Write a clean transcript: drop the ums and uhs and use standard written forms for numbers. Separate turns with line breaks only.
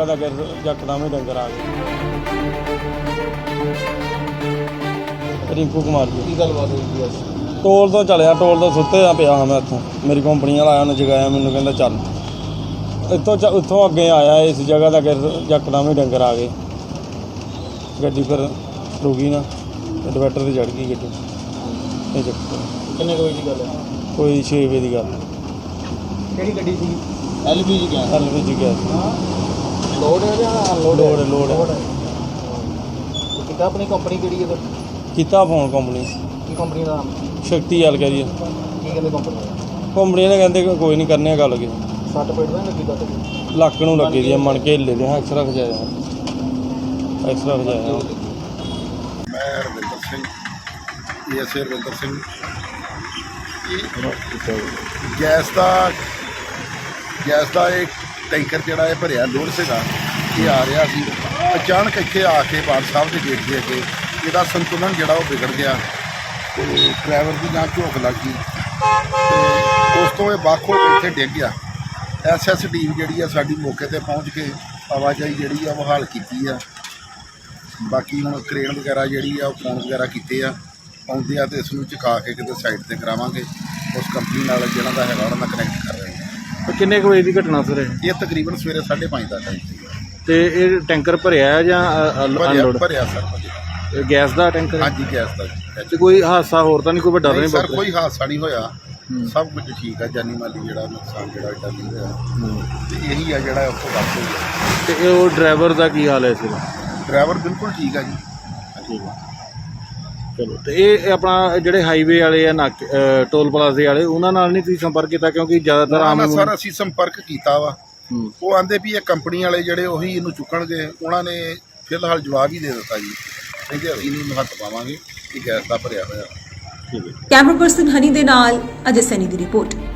जगह का यकदम ही डंगर आ गए। रिंकू कुमार जी
की गलबात हुई?
टोल तो चलिया, टोल तो सुते पिया हाँ मैं इतों, मेरी कंपनी वाला आया उन्हें जगाया, मैनू कहता चल इतों अगे आया, इस जगह का यकदम ही डंगर आ गए। गड्डी फिर रुकी ना, डिवाइडर से चढ़ गई गड्डी। ये चक्कर
कितने बजे की गल है?
कोई 6 बजे की गल।
किहड़ी गड्डी सी? LPG gas.
LPG gas
load है या अनलोड?
लोड है।
कितना अपनी कंपनी किहड़ी है?
किता फोन कंपनी
की कंपनी का नाम?
शक्ति गल करिए।
की कहते कंपनी?
कंपनी ने कहते कोई नहीं करने गल के
60 पेट नहीं लगी तक?
ਲੱਕ ਨੂੰ ਲੱਗੀ ਦੀ ਮਣ ਕੇ ਹਿੱਲੇ ਦੇ ਐਕਸਰਾ ਖਜਾਇਆ।
मैं रविंदर सिंह ASA रविंदर सिंह। गैस का एक टैंकर जोड़ा है भरिया लोड से ये आ रहा सी, अचानक इतने आके बार साहब के गेट के अगे इसका संतुलन जोड़ा बिगड़ गया तो ड्राइवर की ना झोंक लग गई तो उस तो बख हो के इतने डिग गया। SS टीम जी साड़ी मौके पर पहुँच के आवाजाही जी बहाल की है। बाकी हम क्रेन वगैरह जी फोन वगैरह किए आते तो इसमें चुका के कितने साइड पर करावे उस कंपनी जिन्हों का है उन्होंने कनैक्ट कर रहे हैं।
किन्ने बजे की घटना सर?
ये तकरीबन सवेरे 5:30 का टाइम सी।
टैंकर भरिया है या अनलोड?
भरिया सर,
गैस का टैंकर?
हाँ जी गैस का।
कोई हादसा होर तो नहीं, कोई बड़ा नहीं
सर? कोई हादसा नहीं होया, सब कुछ ठीक है, जानी माली जो नुकसान जो नहीं होया तो यही है जो उसको बस हुई है।
तो ड्राइवर का की हाल है इस वेले?
ड्राइवर बिल्कुल ठीक है जी।
ठीक है, चलो। तो ये अपना जोड़े हाईवे वाले या नाके टोल प्लाजे वाले उन्होंने नहीं तुसीं संपर्क किया? क्योंकि ज़्यादातर आम
सर असीं संपर्क किया वा, वो आंदे भी ये कंपनी वाले जोड़े उही इनू चुकणगे, उन्होंने फिलहाल जवाब ही दे दिता जी, कहते असीं नहीं महत्व पावांगे कि गैस का भरिया होया।
कैमरा पर्सन हनी दे नाल अजय सैनी दी रिपोर्ट।